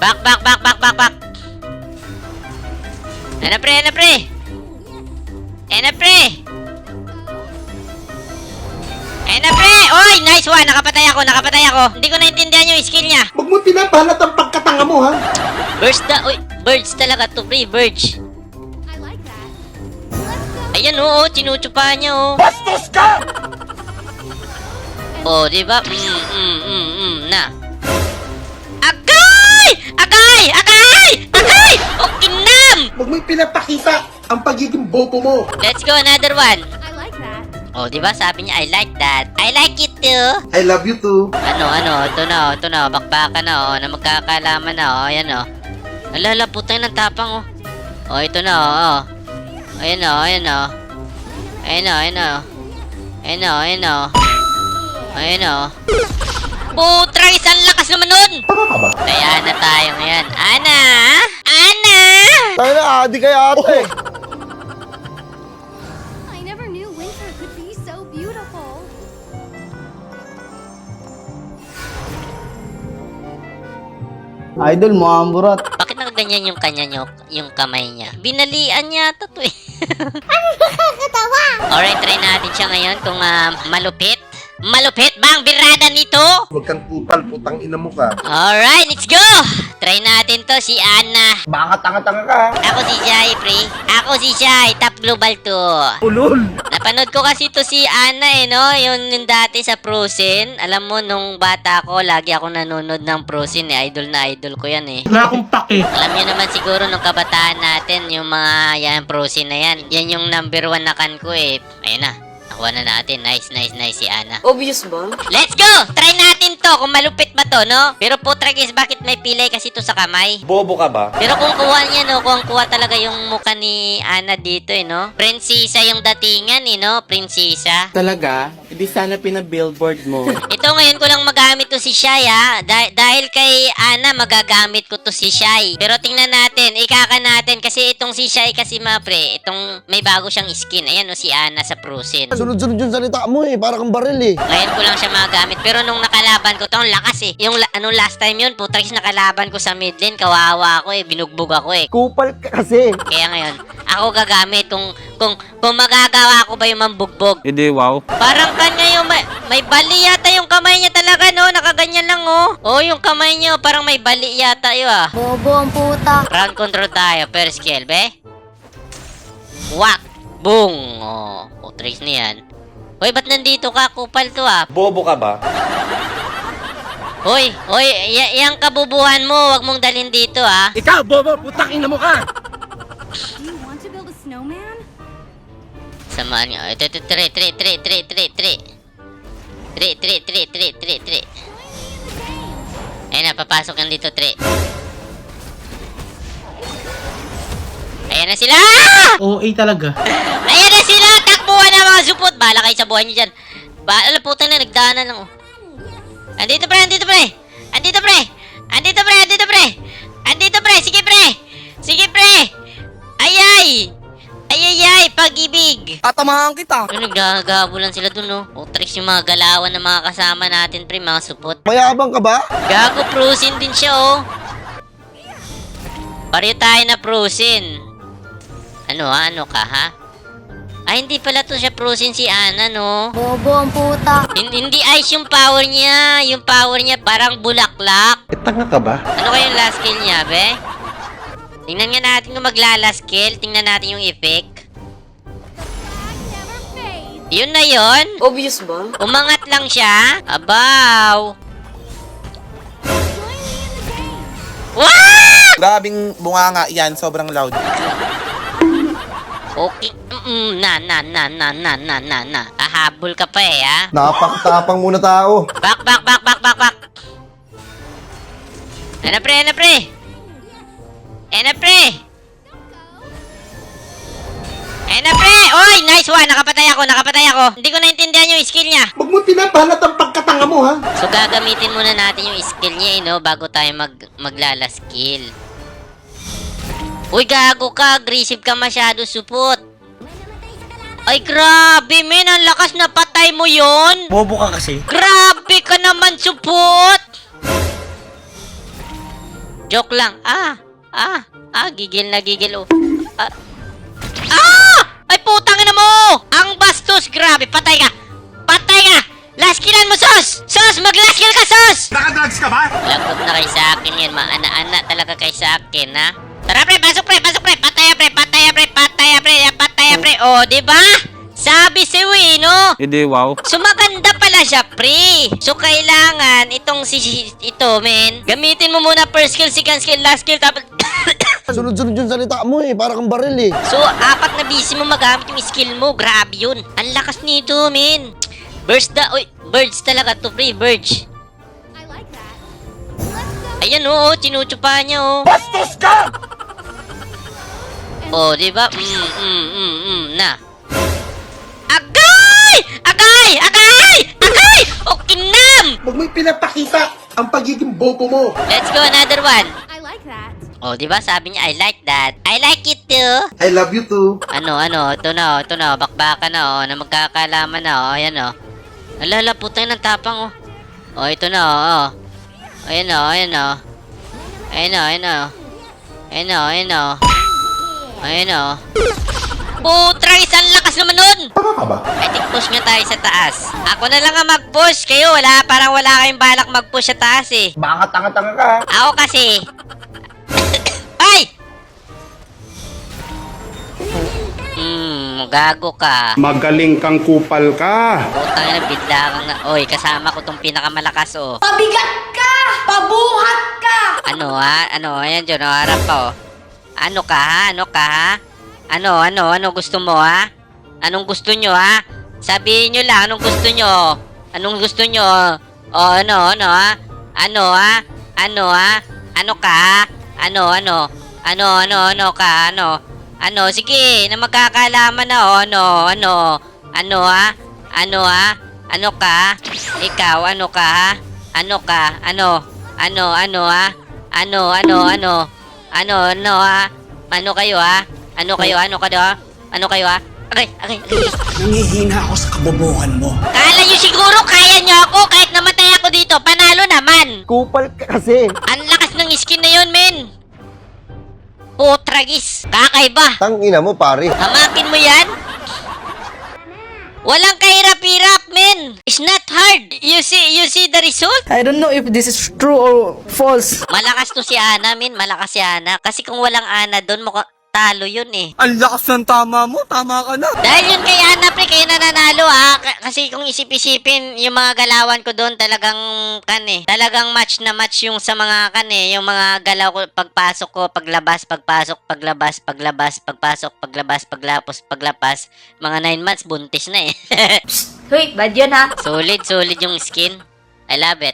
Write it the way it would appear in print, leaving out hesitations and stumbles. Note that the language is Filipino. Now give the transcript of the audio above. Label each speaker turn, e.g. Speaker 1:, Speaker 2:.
Speaker 1: Back. Ano pre? Oy, nice one. Nakapatay ako. Hindi ko naintindihan yung skill niya.
Speaker 2: Huwag mo pinapalat ang pagkatanga mo, ha?
Speaker 1: Uy, birds talaga to, pre. Birds.
Speaker 3: I like that. Let's go.
Speaker 1: Ayan, oo. Tinutupa niya, oh.
Speaker 2: Bastos ka!
Speaker 1: Oh, di ba? Na. Agay! Oh, kinam!
Speaker 2: Huwag mo pinapakita ang pagiging bobo mo.
Speaker 1: Let's go, another one.
Speaker 3: I like that.
Speaker 1: Oh, di ba? Sabi niya, I like that. I like it too.
Speaker 2: I love you too.
Speaker 1: Ano, ito na, bakbakan na, oh, na magkakalaman na, oh, ayan, oh. Alala, putang ng tapang, oh. Oh, ito na, oh. Ayan, oh. Ayan, oh. Putrang, isang lakas naman nun!
Speaker 2: Tama ka ba?
Speaker 1: Kaya na tayo ngayon. Ana!
Speaker 4: Tayo na, adi kaya ate.
Speaker 3: I never knew winter could be so beautiful.
Speaker 4: Idol mo, amburat.
Speaker 1: Bakit nakaganyan yung kanya nyo, yung kamay niya? Binalian yata to eh. Alright, try natin siya ngayon kung malupit. Malupit ba ang birada nito?
Speaker 2: Huwag kang kupal, putang ina mo ka.
Speaker 1: Alright, let's go! Try natin to, si Ana.
Speaker 4: Baka tanga-tanga ka.
Speaker 1: Ako si Shai, pre. Ako si Shai, top global to.
Speaker 4: Ulol.
Speaker 1: Napanood ko kasi to si Ana no? Yung dati sa Frozen. Alam mo, nung bata ko, lagi ako nanonood ng Frozen eh. Idol na idol ko yan eh.
Speaker 4: Wala akong pake.
Speaker 1: Alam niyo naman siguro nung kabataan natin, yung mga yan, Frozen na yan. Yan yung number 1 na kan ko eh. Ayun na. Nakuha na natin. Nice si Ana.
Speaker 5: Obvious ba?
Speaker 1: Let's go! Try natin to kung malupit ba to, no? Pero putra guys, bakit may pilay kasi to sa kamay?
Speaker 5: Bobo ka ba?
Speaker 1: Pero kung kuha niya, no? Kung kuha talaga yung mukha ni Ana dito, eh, no? Prinsesa yung datingan, eh, no? Prinsesa.
Speaker 6: Talaga? Hindi sana pinabillboard mo.
Speaker 1: Ito ngayon ko lang magamit to si Shai, ha? Dahil kay Ana, magagamit ko to si Shai. Pero tingnan natin, ikaka natin. Kasi itong si Shai kasi, pre, itong may bago siyang skin. Ayan, no? Si Ana sa Frozen.
Speaker 4: Sunod-sunod yung salita mo eh, para kang baril eh.
Speaker 1: Ngayon ko lang siya magamit. Pero nung nakalaban ko, ang lakas eh. Yung last time yun, putang nakalaban ko sa mid lane, kawawa ako eh. Binugbog ako eh.
Speaker 4: Kupal ka kasi.
Speaker 1: Kaya ngayon, ako gagamit kung magagawa ko ba yung mambugbog.
Speaker 6: Hindi, wow.
Speaker 1: Parang kanya yung may bali yata yung kamay niya talaga, no? Nakaganyan lang, oh. Oh, yung kamay niya, parang may bali yata yun, ah.
Speaker 3: Bobo ang puta.
Speaker 1: Round control tayo, first skill, be. Wak! Boom! Oh, trace niyan. Hoy, ba't nandito ka? Kupal to, ah.
Speaker 5: Bobo ka ba?
Speaker 1: Hoy, yang kabubuhan mo, wag mong dalhin dito, ah.
Speaker 4: Ikaw, bobo, putang ina mo ka.
Speaker 3: Do you want to build a snowman?
Speaker 1: Samaan nga. Ito, tre. Ayun na, papasok yan dito, tre. Ayan na sila!
Speaker 4: OA talaga.
Speaker 1: Ayan na sila! Takbuhan na mga supot! Bahala kayo sa buhay nyo dyan. Bahala, putang na, nagdaanan lang, oh. Andito, pre! Sige, pre! Ayay! Pag-ibig!
Speaker 6: Tatamahan kita.
Speaker 1: Ano, naggagabulan sila dun, no? O, tricks yung mga galawan ng mga kasama natin, pre, mga supot.
Speaker 4: Mayabang ka ba?
Speaker 1: Gago, Frozen din siya, oh. Pareho tayo na Frozen. Ano ka, ha? Ay, hindi pala to siya Frozen si Ana, no?
Speaker 3: Bobo ang puta.
Speaker 1: Hindi ice yung power niya. Yung power niya parang bulaklak.
Speaker 2: Tanga ka ba?
Speaker 1: Ano kayong last skill niya, be? Tingnan nga natin kung magla-last skill. Tingnan natin yung effect.
Speaker 3: Never fade.
Speaker 1: Yun na yun.
Speaker 5: Obvious ba?
Speaker 1: Umangat lang siya. Abaw.
Speaker 3: Join me in the game.
Speaker 1: Wow!
Speaker 6: Grabing bunganga yan, sobrang loud.
Speaker 1: Okay. Na. Hahabol ka pa eh, ha?
Speaker 2: Napak-tapang muna tao.
Speaker 1: Back. Ano, pre? Oy, nice one. Nakapatay ako. Hindi ko naintindihan yung skill niya.
Speaker 2: Huwag mo pinapalat ang pagkatanga mo, ha?
Speaker 1: So, gagamitin muna natin yung skill niya, no? Bago tayo maglala skill. Uy, gago ka. Aggressive ka masyado, supot. Ay, grabe, men. Ang lakas na patay mo yon.
Speaker 4: Bobo ka kasi.
Speaker 1: Grabe ka naman, supot. Joke lang. Gigil na gigil. Oh. Ay, putang ina mo! Ang bastos, grabe. Patay ka. Patay ka! Last killan mo, Sos! Sos, mag-last kill ka, Sos!
Speaker 2: Nakadrugs ka ba?
Speaker 1: Lagot na kayo sa akin yan. Maana-ana talaga kayo sa akin, ha? Tara, pre! Pasok, pre! Pasok, pre! Pataya, pre! Pataya, pre! Pataya, pre! Pataya, pre! Oh, diba? Sabi si no?
Speaker 6: Hindi, wow.
Speaker 1: So, maganda pala siya, pre. So, kailangan itong ito, men. Gamitin mo muna first skill, second skill, last skill, tapos...
Speaker 4: Sunod-sunod yung salita mo eh, para kang baril eh.
Speaker 1: So, apat na busy mo magamit yung skill mo. Grabe yun. Ang lakas nito, men. Birds talaga to, pre. Birds.
Speaker 3: I like that. Let's go.
Speaker 1: Ayan, tinutsupa niya,
Speaker 2: Bastos ka!
Speaker 1: Oh, di ba? Na. Agay! Agay! Agay! Agay! O, kinam!
Speaker 2: Huwag mo pinapakita ang pagiging bobo mo.
Speaker 1: Let's go, another one.
Speaker 3: I like that.
Speaker 1: Oh, di ba? Sabi niya, I like that. I like it too.
Speaker 2: I love you too.
Speaker 1: Ano, ito na, bakbaka na, na magkakalaman na, ayan, Alala, putang ng tapang, Oh, ito na, Ayan, ayan, Putrang isang lakas naman nun!
Speaker 2: Tama ka ba?
Speaker 1: I think push nga tayo sa taas. Ako na lang ang mag-push. Kayo, parang wala kayong balak mag-push sa taas eh.
Speaker 2: Baka tanga-tanga ka.
Speaker 1: Ako kasi... Ay! Gago ka.
Speaker 5: Magaling kang kupal ka.
Speaker 1: Putang ina, bigla kang na... Oy, kasama ko tong pinakamalakas,
Speaker 3: Pabigat ka! Pabuhat ka!
Speaker 1: Ano, ayan dyan, harap ka, Ano ka, ha? Ano gusto mo, ha? Anong gusto nyo, ha? Sabihin nyo lang, anong gusto nyo? Anong gusto nyo? Ano, ha? Ano, ha? Ano ka, ha? Ano ka, Ano, sige, na magkakalaman na, Ano, ha? Ano ka? Ikaw, ano ka, ha? Ano ka? Ano, ha? Ha? Ano kayo, ha? Ano kayo, ha? Agay.
Speaker 7: Nangihina ako sa kabobohan mo.
Speaker 1: Kala nyo siguro kaya nyo ako kahit namatay ako dito. Panalo naman.
Speaker 4: Kupal ka kasi.
Speaker 1: Ang lakas ng skin na yun, men. Putragis. Kakaiba.
Speaker 4: Tangina mo, pare.
Speaker 1: Hamakin mo yan. Walang kahirap-hirap, men. It's not hard. You see the result?
Speaker 8: I don't know if this is true or false.
Speaker 1: Malakas to si Ana, men. Malakas si Ana. Kasi kung walang Ana doon, mukhang talo yun eh.
Speaker 6: Ang lakas ng tama mo, tama ka na.
Speaker 1: Dahil yun kay Ana, pre, kayo nananalo ha. Kasi kung isip-isipin, yung mga galawan ko doon talagang talagang match na match yung sa mga yung mga galaw ko, pagpasok ko, paglabas, pagpasok, paglabas, pagpasok, paglabas, paglapas. Mga 9 months, buntis na eh.
Speaker 3: Wait, bad yun ha?
Speaker 1: Solid yung skin. I love it.